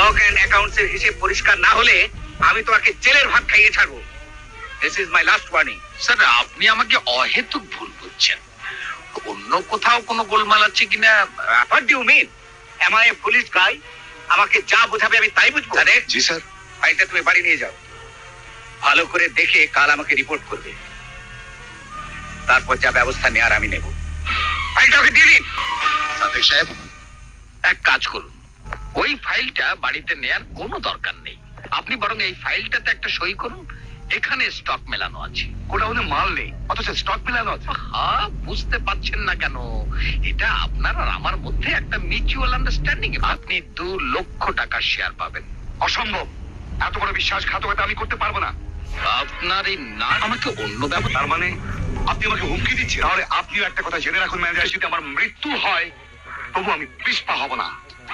Stock and অ্যাকাউন্টসের হিসেব পরিষ্কার না হলে আমি তোমাকে জেলের ভাত খাইয়ে ছাড়বো। This is my last warning. Sir, আপনি আমাকে অহেতুক ভুল বুঝছেন। অন্য কোথাও কোনো গোলমাল আছে কিনা? What do you mean? Am I a police guy? আমাকে যা বোঝাবে আমি তাই বুঝবো। জি স্যার। ফাইলটা তুমি বাড়ি নিয়ে যাও, ভালো করে দেখে কাল আমাকে রিপোর্ট করবে, তারপর যা ব্যবস্থা নেওয়ার আমি নেব। ফাইলটা ওকে দিয়ে দিন। সাদেক সাহেব, এক কাজ করুন, ওই ফাইলটা বাড়িতে নেয়ার কোনো দরকার নেই। আপনি বরং এই ফাইলটাতে একটা সই করুন। এখানে স্টক মেলানো আছে। ওটা ওদের মাল নেই, অথচ স্টক মেলানো আছে। হ্যাঁ, বুঝতে পারছেন না কেন? এটা আপনার আর আমার মধ্যে একটা মিউচুয়াল আন্ডারস্ট্যান্ডিং। আপনি 2 লক্ষ টাকার শেয়ার পাবেন। অসম্ভব, এত বড় বিশ্বাসঘাতকতা আমি করতে পারবো না। আপনার এই না আমাকে অন্য ব্যাপার। তার মানে আপনি আমাকে হুমকি দিচ্ছেন? তাহলে আপনিও একটা কথা জেনে রাখুন ম্যানেজার, যদি আমার মৃত্যু হয় তবু আমি পিছপা হব না।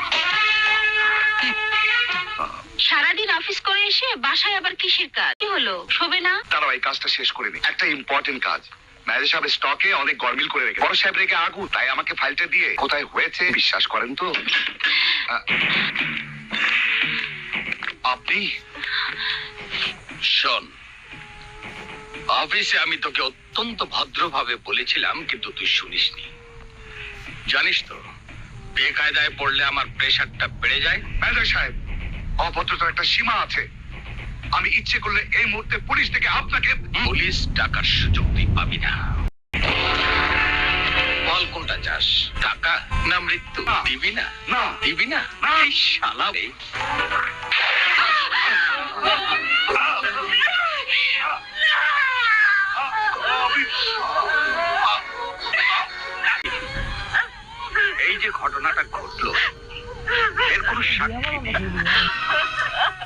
সারাদিন অফিস করে এসে বাসায় আবার কিসের কাজ? কি হলো, শোবে না? তারাও এই কাজটা শেষ করে নি, একটা ইম্পর্টেন্ট কাজ। ম্যানেজার সাহেব স্টকে অনেক গরমিল করে রেখে, বড় সাহেব রেখে আগু, তাই আমাকে ফাইলটা দিয়ে কোথায় হয়েছে বিশ্বাস করেন তো। আপনি শোন, অফিসে আমি তোকে অত্যন্ত ভদ্রভাবে বলেছিলাম, কিন্তু তুই শুনিসনি। জানিস তো, বেকায়দায় পড়লে আমার প্রেশারটা বেড়ে যায়। ম্যানেজার সাহেব, অভদ্রতার একটা সীমা আছে। আমি ইচ্ছে করলে এই মুহূর্তে পুলিশ থেকে আপনাকে পুলিশ টাকার সুযোগ তুই পাবি না। বল কোনটা চাস, টাকা না মৃত্যু? না। দিবি না? না। দিবি না? না। এই শালা রে। এই যে ঘটনাটা ঘটলো, এর কোনো সাক্ষী নেই।